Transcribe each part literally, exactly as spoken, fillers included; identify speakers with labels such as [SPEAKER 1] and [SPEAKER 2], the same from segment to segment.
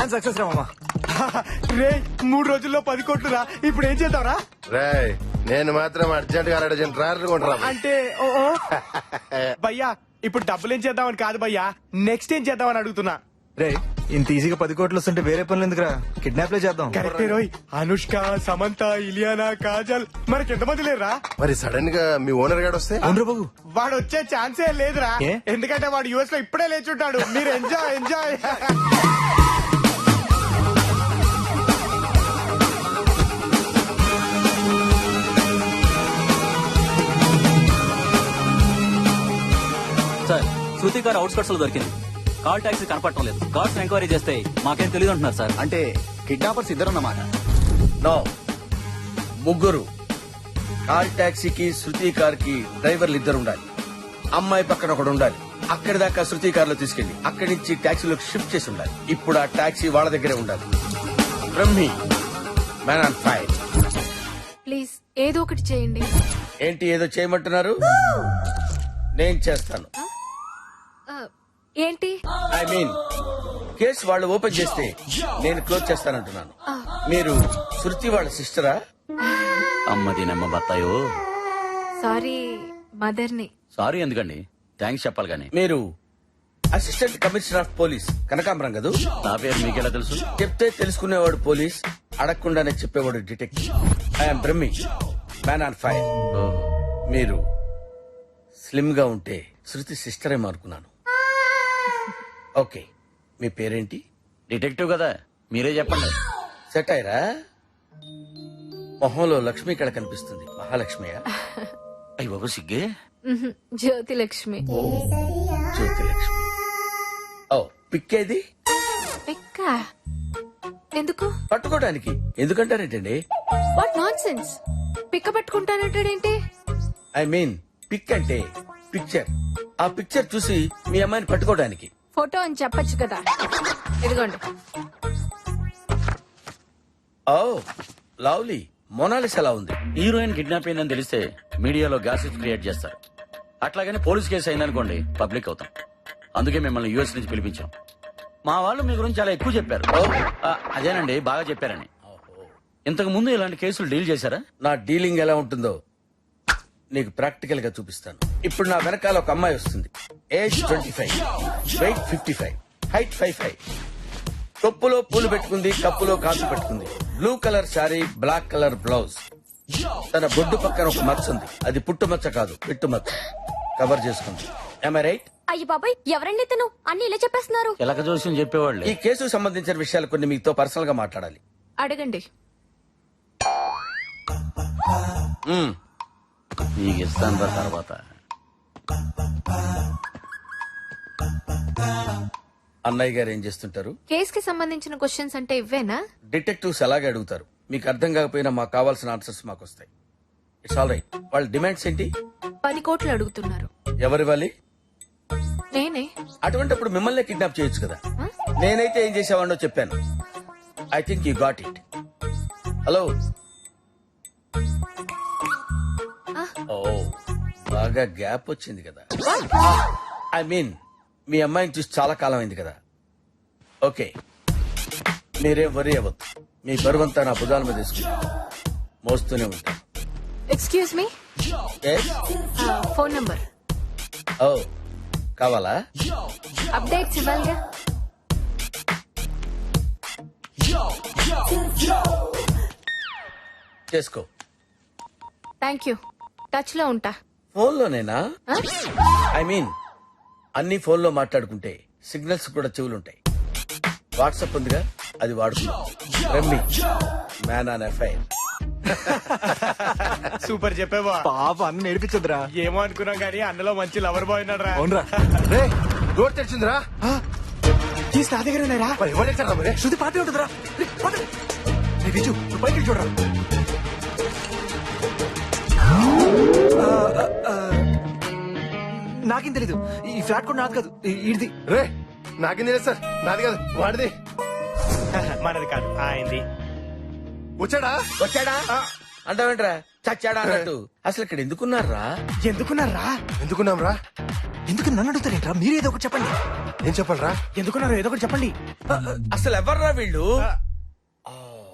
[SPEAKER 1] Plan success రా మామా.
[SPEAKER 2] రే మూడు రోజుల్లో పది కోట్లు రా. ఇప్పుడు ఏం చేద్దాంరా?
[SPEAKER 3] రేయ్ నేను మాత్రం అర్జెంట్ గా అర్జెంట్ ట్రాక్టర్ కొంటరా.
[SPEAKER 2] అంటే ఓ ఓ. భయ్యా ఇప్పుడు డబ్బులు ఏం చేద్దామని కాదు భయ్యా, నెక్స్ట్ ఏం చేద్దామని అడుగుతున్నా.
[SPEAKER 1] రే ఇంత ఈజీగా పది కోట్లు వస్తుంటే వేరే పనులు ఎందుకురా, కిడ్నాప్ లే చేద్దాం.
[SPEAKER 2] కరెక్టే రోయ్. అనుష్క, సమంత, ఇలియానా, కాజల్ మనకి ఎంతమంది లేరా?
[SPEAKER 3] మరి సడన్ గా మీ ఓనర్ గాడు వస్తే
[SPEAKER 1] అవునరా బాబు.
[SPEAKER 2] వాడు వచ్చే ఛాన్సే లేదురా.
[SPEAKER 1] ఏ?
[SPEAKER 2] ఎందుకంటే వాడు యుఎస్ లో ఇప్పుడే లేచుంటాడు. మీరు ఎంజాయ్ ఎంజాయ్.
[SPEAKER 4] సార్ శృతి గారు అవుట్స్కట్స్ లో దొరికింది. కాల్ టాక్సీ కనపడటం లేదు. కార్డ్స్ ఎంక్వైరీ చేస్తే మాకేం తెలియదు అంటున్నారు సార్.
[SPEAKER 1] అంటే కిడ్నాపర్స్ ఇద్దరన్నమాట.
[SPEAKER 5] నో, ముగ్గురు. కార్ టాక్సీకి శృతి కార్ కి డ్రైవర్లు ఇద్దరు ఉండాలి. అమ్మాయి పక్కన ఒకడు ఉండాలి. అక్కడి దాకా శృతి కార్ లో తీసుకెళ్లి అక్కడి నుంచి టాక్సీలోకి షిఫ్ట్ చేసి ఉండాలి. ఇప్పుడు ఆ టాక్సీ వాళ్ళ దగ్గరే ఉండాలి. Brahmi, man on fire.
[SPEAKER 6] Please ఏదో ఒకటి చేయండి.
[SPEAKER 5] ఏంటి ఏదో చేయమంటున్నారు? నేను చేస్తాను.
[SPEAKER 6] ఆ, ఏంటి?
[SPEAKER 5] ఐ మీన్ కేసు వాళ్ళు ఓపెన్ చేస్తే నేను క్లోజ్ చేస్తానంటున్నాను. మీరు శృతి వాళ్ళ సిస్టరా?
[SPEAKER 4] అమ్మది నమ్మ బత్తాయో.
[SPEAKER 6] సారీ మదర్ని.
[SPEAKER 4] సారీ ఎందుకండి, థ్యాంక్స్ చెప్పాలి కానీ.
[SPEAKER 5] మీరు అసిస్టెంట్ కమిషనర్ ఆఫ్ పోలీస్ కనకాంబరం కదూ?
[SPEAKER 4] నా పేరు మీకెలా తెలుసు?
[SPEAKER 5] చెప్తే తెలుసుకునేవాడు పోలీస్, అడగకుండానే చెప్పేవాడు detective. I am Brahmi, man on fire. మీరు స్లిమ్ గా ఉంటే శృతి సిస్టర్ ఏమో అనుకున్నాను. ఓకే, మీ పేరేంటి?
[SPEAKER 4] డిటెక్టివ్ కదా, మీరే చెప్పండి.
[SPEAKER 5] సెట్ అయ్యరా? మొహంలో లక్ష్మి ఇక్కడ కనిపిస్తుంది. మహాలక్ష్మియా?
[SPEAKER 4] అయ్యి బాబు సిగ్గే.
[SPEAKER 6] మ్హూ, జ్యోతి లక్ష్మి.
[SPEAKER 5] జ్యోతి లక్ష్మి. ఓ, పిక్కేది?
[SPEAKER 6] ఎక్క ఎందుకు?
[SPEAKER 5] పట్టుకోవడానికి. ఎందుకంటారేంటండి?
[SPEAKER 6] What nonsense. పిక్క పట్టుకుంటానంటాడేంటి?
[SPEAKER 5] ఐ మీన్ పిక్ అంటే పిక్చర్. ఆ పిక్చర్ చూసి మీ అమ్మాయిని పట్టుకోవడానికి.
[SPEAKER 6] ఫోటో అని చెప్పొచ్చు కదా. ఇదిగోండి.
[SPEAKER 5] Oh lovely. మొనాలిస్ ఎలా ఉంది?
[SPEAKER 4] హీరోయిన్ కిడ్నాప్ అయిందని తెలిస్తే మీడియాలో గ్యాసెస్ క్రియేట్ చేస్తారు. అట్లాగని పోలీస్ కేసు అయిందనుకోండి పబ్లిక్ అవుతాం. అందుకే మిమ్మల్ని యూఎస్ నుంచి పిలిపించాం. మా వాళ్ళు మీ గురించి చాలా ఎక్కువ చెప్పారు. ఆ, అదేనండి బాగా చెప్పారని. ఇంతకు ముందు ఇలాంటి కేసులు డీల్ చేశారా?
[SPEAKER 5] నా డీలింగ్ ఎలా ఉంటుందో నీకు ప్రాక్టికల్ గా చూపిస్తాను. ఇప్పుడు నా వెనకాల ఒక అమ్మాయి వస్తుంది. Age twenty five, weight fifty five, height five five. కొప్పులో పూలు పెట్టుకుంది, కప్పులో కాసు పెట్టుకుంది. Blue colour sari, black colour blouse. తన బొడ్డు పక్కన ఒక మచ్చ ఉంది. అది పుట్టు మచ్చ కాదు, పిట్టు మచ్చ. కవర్ చేసుకుంది. Am I right?
[SPEAKER 6] అయ్యి బాబాయ్, ఎవరండి తను? అన్ని ఇలా చెప్పేస్తున్నారు.
[SPEAKER 4] ఎలక జోస్యం చెప్పేవాళ్ళు.
[SPEAKER 5] ఈ కేసుకు సంబంధించిన విషయాలు కొన్ని మీతో పర్సనల్ గా మాట్లాడాలి.
[SPEAKER 6] అడగండి.
[SPEAKER 5] మ్మ్.
[SPEAKER 4] నీకు ఇస్తాను రా తర్వాత.
[SPEAKER 5] అన్నయ్య గారు ఏం చేస్తుంటారు?
[SPEAKER 6] కేస్ కి సంబంధించిన క్వశ్చన్స్ అంటే ఇవ్వేనా?
[SPEAKER 5] డిటెక్టివ్స్ అలాగే అడుగుతారు. మీకు అర్థం కాకపోయినా మాకు కావాల్సిన ఆన్సర్స్ మాకు వస్తాయి. It's all right. వాళ్ళ డిమాండ్స్ ఏంటి?
[SPEAKER 6] పది కోట్లు అడుగుతున్నారు.
[SPEAKER 5] ఎవరివ్వాలి?
[SPEAKER 6] నేనే.
[SPEAKER 5] అటువంటిప్పుడు మిమ్మల్ని కిడ్నాప్ చేయొచ్చు కదా.
[SPEAKER 6] Huh?
[SPEAKER 5] నేనైతే ఏం చేసేవాడినో చెప్పాను. I think you got it. Hello. ఓ బాగా గ్యాప్ వచ్చింది కదా. ఐ మీన్ మీ అమ్మాయిని చూసి చాలా కాలం అయింది కదా. ఓకే, మీరేం వరి అవ్వద్దు. మీ బరువంతా నా భుజాల మీద తీసుకుంటా మోస్తూనే ఉంటాను.
[SPEAKER 6] Excuse me.
[SPEAKER 5] Yes?
[SPEAKER 6] Phone number.
[SPEAKER 5] ఓ కావాలా?
[SPEAKER 6] అప్డేట్స్ ఇవ్వాలిగా.
[SPEAKER 5] చేసుకో.
[SPEAKER 6] Thank you. టచ్ లో ఉంటా.
[SPEAKER 5] ఫోన్లోనేనా?
[SPEAKER 6] Huh?
[SPEAKER 5] ఐ మీన్ అన్ని ఫోన్లో మాట్లాడుకుంటే సిగ్నల్స్ కూడా చెవులుంటాయి. వాట్సాప్ ఉందిగా, అది వాడుకుందాం. రమ్మి, మ్యాన్ ఆన్ ఎఫ్ఐఆర్.
[SPEAKER 2] సూపర్ చెప్పేవా.
[SPEAKER 1] పాప అన్న నేర్పించదురా.
[SPEAKER 2] ఏమో అనుకున్నాం గానీ అన్నలో మంచి లవర్ బాయ్ ఉన్నాడు రా.
[SPEAKER 1] అవునరా.
[SPEAKER 3] రే డోర్ తెరిచిందిరా.
[SPEAKER 2] తీసి నా దగ్గర ఉన్నారా?
[SPEAKER 3] మరి ఎవరు తెచ్చారా మరి?
[SPEAKER 1] శృతి పాటే ఉంటుందిరా. రే, పద. రే, విజు, నువ్వు పైకి వెళ్ళి చూడరా. ఆ, ఆ, ఆ, నాకేం తెలీదు. ఈ ఫ్లాట్ కూడా నాది కాదు, ఇది.
[SPEAKER 3] రే నాకేం తెలియదు సార్, నాది కాదు వాడిది.
[SPEAKER 2] మనది కాదు, ఆయనది.
[SPEAKER 3] వచ్చాడా?
[SPEAKER 5] వచ్చాడా అంటావేంట్రా? చచ్చాడా అన్నట్టు. అసలు ఇక్కడ ఎందుకున్నారా?
[SPEAKER 2] ఎందుకున్నారా?
[SPEAKER 3] ఎందుకున్నాం రా?
[SPEAKER 1] ఎందుకు నన్ను అడుగుతారేంట్రా? మీరేదో ఒకటి చెప్పండి.
[SPEAKER 3] ఏం చెప్పాలరా?
[SPEAKER 2] ఎందుకున్నారు ఏదో ఒకటి చెప్పండి.
[SPEAKER 5] అసలు ఎవర్రా వీళ్ళు? ఆ,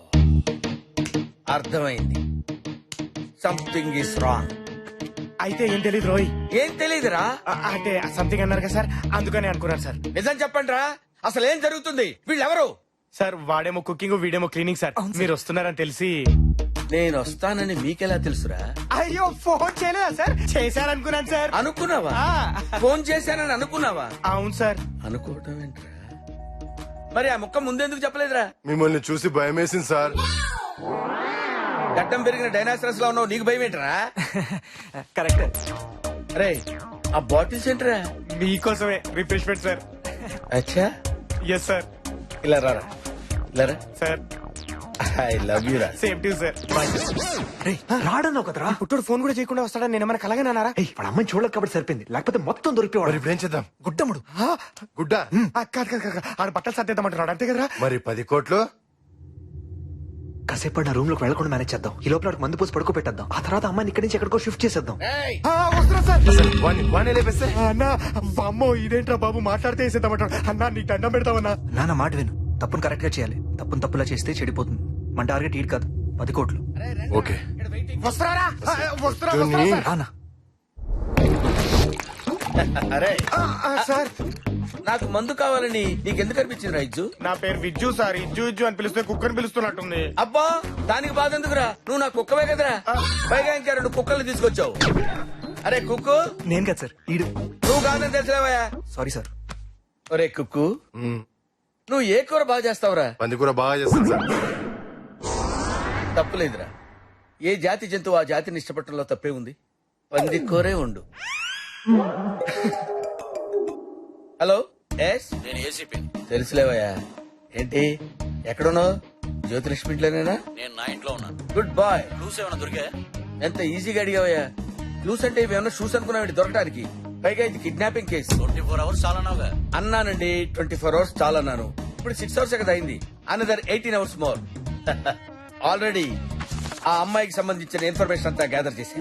[SPEAKER 5] అర్థమైంది. Something is wrong.
[SPEAKER 2] అయితే ఏం తెలియదు రోయ్.
[SPEAKER 5] ఏం తెలీదురా?
[SPEAKER 2] ఆ, అంటే సంథింగ్ అన్నారు కదా సార్, అందుకని అనుకున్నాను సార్.
[SPEAKER 5] నిజం చెప్పండి రా, అసలు ఏం జరుగుతుంది? వీళ్ళెవరు?
[SPEAKER 2] సార్ వాడేమో కుకింగ్ వీడేమో క్లీనింగ్ సార్. మీరు వస్తున్నారని తెలిసి.
[SPEAKER 5] నేను వస్తానని మీకెలా తెలుసురా?
[SPEAKER 2] అయ్యో ఫోన్ చేయలేదా సార్? చేశారనుకున్నాను సార్.
[SPEAKER 5] అనుకున్నావా?
[SPEAKER 2] ఆ,
[SPEAKER 5] ఫోన్ చేశానని అనుకున్నావా?
[SPEAKER 2] అవును సార్.
[SPEAKER 5] అనుకోవటం ఏంట్రా? మరి ఆ ముక్క ముందెందుకు చెప్పలేదురా?
[SPEAKER 3] మిమ్మల్ని చూసి భయం వేసింది సార్.
[SPEAKER 5] గడ్డం పెరిగిన డైనాసరస్ లో ఉన్నావు, నీకు భయం ఏంట్రా?
[SPEAKER 1] కరెక్ట్.
[SPEAKER 5] రే ఆ బాటిల్స్ ఏంట్రా?
[SPEAKER 2] మీకోసమే రిఫ్రెష్మెంట్ సార్.
[SPEAKER 5] అచ్చా,
[SPEAKER 2] ఎస్ సార్.
[SPEAKER 5] ఇలా రారా, ఇలా రా.
[SPEAKER 2] సార్
[SPEAKER 5] ఐ లవ్ యూ రా.
[SPEAKER 2] Same to sir.
[SPEAKER 1] రాడన్నావు కదరా.
[SPEAKER 2] పుట్టుడు ఫోన్ కూడా చేయకుండా వస్తాడని నేను ఏమైనా కలగనన్నారా?
[SPEAKER 1] ఏయ్, వాళ్ళ అమ్మని చూడలేక కాబట్టి సరిపోయింది, లేకపోతే మొత్తం
[SPEAKER 3] మరి
[SPEAKER 1] దొరికిపోవాడు.
[SPEAKER 3] ఇప్పుడు ఏం చేద్దాం?
[SPEAKER 1] గుడ్డముడు.
[SPEAKER 3] గుడ్డ.
[SPEAKER 2] ఆ, కాదు కాదు కాదు ఆడ బట్టలు సర్దేద్దామంటున్నాడు అంతే కదరా?
[SPEAKER 3] మరి పది కోట్లు?
[SPEAKER 1] కాసేపు నా రూమ్ లోకి వెళ్లకుండా మేనేజ్ చేద్దాం. ఈ లోపల వాడికి మందు పోసి పడుకో పెట్టేద్దాం. ఆ తర్వాత అమ్మాయిని ఇక్కడి నుంచి ఎక్కడికో షిఫ్ట్ చేసేద్దాం.
[SPEAKER 5] ఏయ్,
[SPEAKER 2] ఆ, వస్తున్నా సార్.
[SPEAKER 3] అసలు వాణ్ణి వాణ్ణి లేపేస్తే
[SPEAKER 2] అన్నా అమ్మో ఇదేంట్రా బాబు మాట్లాడితే వేసేద్దామంటాడు. అన్నా నీకు దండం పెడతామన్నా.
[SPEAKER 1] నాన్న మాట విను, తప్పును కరెక్ట్ గా చేయాలి. తప్పును తప్పులా చేస్తే చెడిపోతుంది. మన టార్గెట్ ఈడ్ కాదు, పది కోట్లు.
[SPEAKER 3] ఓకే.
[SPEAKER 2] వస్తున్నారా? ఆ, వస్తున్నా
[SPEAKER 3] ధోని.
[SPEAKER 2] వస్తున్నా సార్.
[SPEAKER 1] రానా.
[SPEAKER 5] అరే
[SPEAKER 2] ఆ, ఆ, సార్
[SPEAKER 5] నాకు మందు కావాలని నీకెందుకు అనిపించింది రైజు?
[SPEAKER 2] నా పేరు విజ్జు సార్. ఇజ్జు ఇజ్జు అని పిలిస్తే కుక్కని పిలుస్తున్నట్టుంది.
[SPEAKER 5] అబ్బా దానికి బాధ ఎందుకురా? నువ్వు నా కుక్కవే కదరా. పైగా ఇంకా రెండు కుక్కలు తీసుకొచ్చావు. అరే కుక్కు,
[SPEAKER 1] నేను కదా సార్, ఈడు.
[SPEAKER 5] నువ్వు కాదని తెలిసిలేవయ్యా.
[SPEAKER 1] Sorry sir.
[SPEAKER 5] ఒరే కుక్కు,
[SPEAKER 3] మ్మ్.
[SPEAKER 5] నువ్వు ఏ కూర బాగా చేస్తావురా?
[SPEAKER 3] పంది కూర బాగా చేస్తాను సార్.
[SPEAKER 5] తప్పులేదురా. ఏ జాతి జంతువు ఆ జాతిని ఇష్టపడటంలో తప్పే ఉంది. పంది కూరే ఉండు. హలో, ఎస్
[SPEAKER 4] నేను ఏసీపీ.
[SPEAKER 5] తెలుసులేవయ్యా. ఏంటి ఎక్కడున్నావు? జ్యోతిలక్ష్మి ఇంట్లోనేనా?
[SPEAKER 4] నేను నా ఇంట్లో ఉన్నాను.
[SPEAKER 5] Good bye.
[SPEAKER 4] క్లూస్ ఏమైనా దొరికా?
[SPEAKER 5] ఎంత ఈజీగా అడిగావయ్యా. క్లూస్ అంటే ఇవేమన్నా షూస్ అనుకున్నావు దొరకడానికి? పైగా ఇది kidnapping case.
[SPEAKER 4] Twenty four hours చాలా నావుగా.
[SPEAKER 5] అన్నానండి, ట్వంటీ ఫోర్ అవర్స్ చాలా అన్నాను. ఇప్పుడు సిక్స్ అవర్స్ కదా అయింది. Another eighteen hours more. Already ఆ అమ్మాయికి సంబంధించిన ఇన్ఫర్మేషన్ అంతా గ్యాదర్ చేసి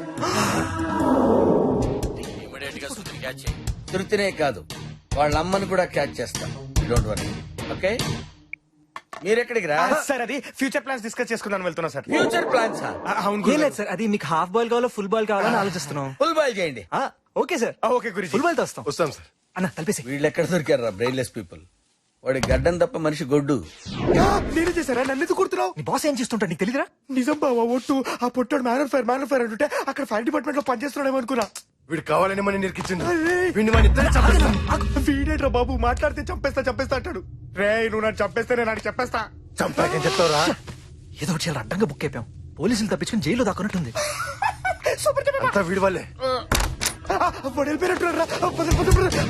[SPEAKER 4] ఇమీడియట్ గా సుతిని క్యాచ్ చేయి.
[SPEAKER 5] తృప్తినే కాదు, వాళ్ళ అమ్మని కూడా క్యాచ్ చేస్తాం. Don't worry. ఓకే, మీరెక్కడికి రా?
[SPEAKER 2] ఆ, సార్ అది ఫ్యూచర్ ప్లాన్స్ డిస్కస్ చేసుకుందాం వెళ్తున్నా సార్.
[SPEAKER 5] Future plans.
[SPEAKER 2] ఆ, అవును
[SPEAKER 1] ఏం
[SPEAKER 2] గురుగారు.
[SPEAKER 1] లేదు సార్, అది మీకు హాఫ్ బాల్ కావాలో ఫుల్ బాల్ కావాలని ఆలోచిస్తున్నాం.
[SPEAKER 5] ఫుల్ బాయ్ చేయండి.
[SPEAKER 1] ఆ, ఓకే సార్.
[SPEAKER 2] ఆ, ఓకే గురించి
[SPEAKER 1] ఫుల్ బాల్ తో వస్తాం.
[SPEAKER 3] వస్తాం సార్.
[SPEAKER 1] అన్న కలిపేసి.
[SPEAKER 5] వీళ్ళు ఎక్కడ దొరికారా బ్రెయిన్లెస్ పీపుల్? వాడి గడ్డం తప్ప మనిషి గొడ్డు.
[SPEAKER 2] నేను చేశారా? నన్ను ఎందుకు కుడుతున్నావు?
[SPEAKER 1] నీ బాస్ ఏం చేస్తుంటాడు నీకు తెలియదురా?
[SPEAKER 2] నిజం బావా ఒట్టు. ఆ పొట్టాడు మ్యాన్ ఫైర్ మ్యాన్ ఫైర్ అంటుంటే అక్కడ ఫైర్ డిపార్ట్మెంట్ లో పనిచేస్తున్నాడేమో అనుకున్నా.
[SPEAKER 3] వీడు కావాలని మనం నిరికించిండు.
[SPEAKER 2] అరే.
[SPEAKER 3] వీడిని మన ఇద్దరు చంపేస్తాం.
[SPEAKER 2] వీడేట్రా బాబు మాట్లాడితే చంపేస్తా చంపేస్తా అంటాడు. రే నువ్వు నన్ను చంపేస్తే నేను నాకు చెప్పేస్తా.
[SPEAKER 3] చంపాకేం చెప్తావురా?
[SPEAKER 1] ఏదో ఒకటి చాలా అడ్డంగా బుక్ అయిపోయాం. పోలీసులు తప్పించుకుని జైల్లో దాక్కున్నట్టుంది.
[SPEAKER 2] సూపర్ చెప్పేస్తా.
[SPEAKER 3] అంతా వీడి వల్లే.
[SPEAKER 2] వాడు వెళ్ళిపోయినట్టున్నాడు రా. పద, పద, పద.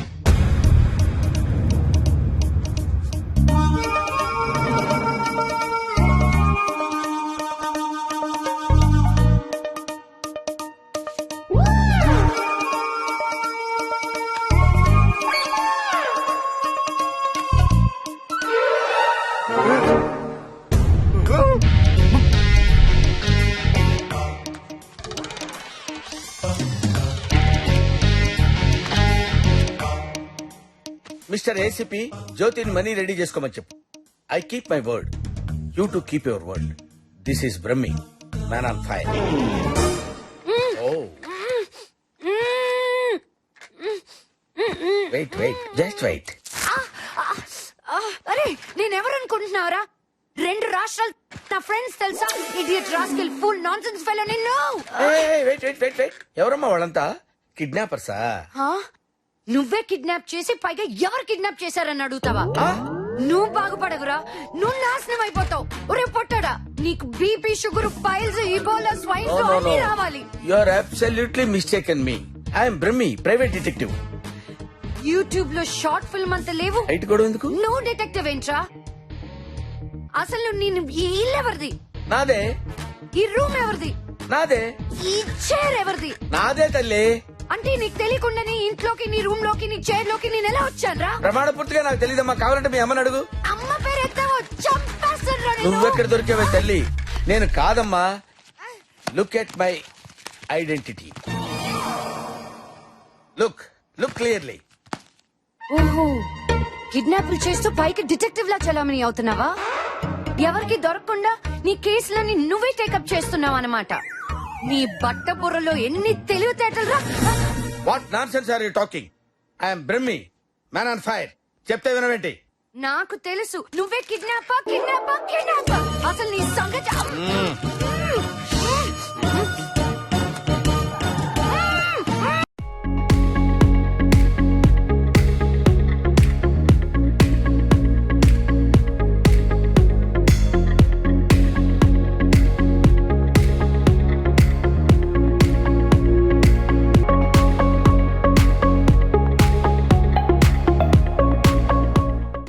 [SPEAKER 5] మిస్టర్ ఏసీపీ, జ్యోతిని మనీ రెడీ చేసుకోమని చెప్పు. I keep my word, you to keep your word. This is Brahmi, man on fire. Oh wait wait just wait.
[SPEAKER 6] అరే నేనెవరు అనుకుంటున్నావురా? రెండు రాష్ట్రాలు నా ఫ్రెండ్స్ తెలుసా? Idiot rascal full nonsense fellow నిన్ను.
[SPEAKER 5] వెయిట్ వెయిట్ వెయిట్ వెయిట్ ఎవరమ్మా వాళ్ళంతా? కిడ్నాపర్సా?
[SPEAKER 6] హా? నువ్వే కిడ్నాప్ చేసి పైగా ఎవరు కిడ్నాప్ చేశారని అడుగుతావా? నువ్వు బాగుపడవురా, నువ్వు నాశనం అయిపోతావు. ఒరే పొట్టాడా, నీకు BP sugar piles Ebola swine flu అన్ని రావాలి.
[SPEAKER 5] You are absolutely mistaken me. I'm Brahmi, private detective.
[SPEAKER 6] YouTube లో షార్ట్ ఫిల్మ్ అంత లేవు.
[SPEAKER 5] హైట్ కూడా ఎందుకు?
[SPEAKER 6] నువ్వు డిటెక్టివ్ ఏంట్రా? అసలు నేను ఈ ఇల్లు ఎవరిది?
[SPEAKER 5] నాదే.
[SPEAKER 6] ఈ రూమ్ ఎవరిది?
[SPEAKER 5] నాదే.
[SPEAKER 6] ఈ చైర్ ఎవరిది?
[SPEAKER 5] నాదే తల్లి.
[SPEAKER 6] అంటే నీకు తెలియకుండా నీ ఇంట్లోకి నీ రూమ్ లోకి నీ చైర్ లోకి నేను ఎలా వచ్చాను రా?
[SPEAKER 5] ప్రమాణ పూర్తిగా నాకు తెలియదమ్మా. కావాలంటే మీ అమ్మని అడుగు.
[SPEAKER 6] అమ్మ పేరు ఎత్తావో చంపేస్తాను.
[SPEAKER 5] నువ్వెక్కడ దొరికావే తల్లి? నేను కాదమ్మా. Look at my identity. Look look clearly.
[SPEAKER 6] ఓహో కిడ్నాపులు చేస్తూ పైకి డిటెక్టివ్ లా చలామణి అవుతున్నావా? ఎవరికి దొరకకుండా నీ కేసులన్నీ నువ్వే టేకప్ చేస్తున్నావు అన్నమాట. నీ బట్ట బుర్రలో ఎన్ని తెలివితేటలు రా.
[SPEAKER 5] What nonsense are you talking? I'm Brahmi, man on fire. చెప్తే వినవేంటి?
[SPEAKER 6] నాకు తెలుసు నువ్వే కిడ్నాపా కిడ్నాపా కిడ్నాపా. అసలు నీ సంగతి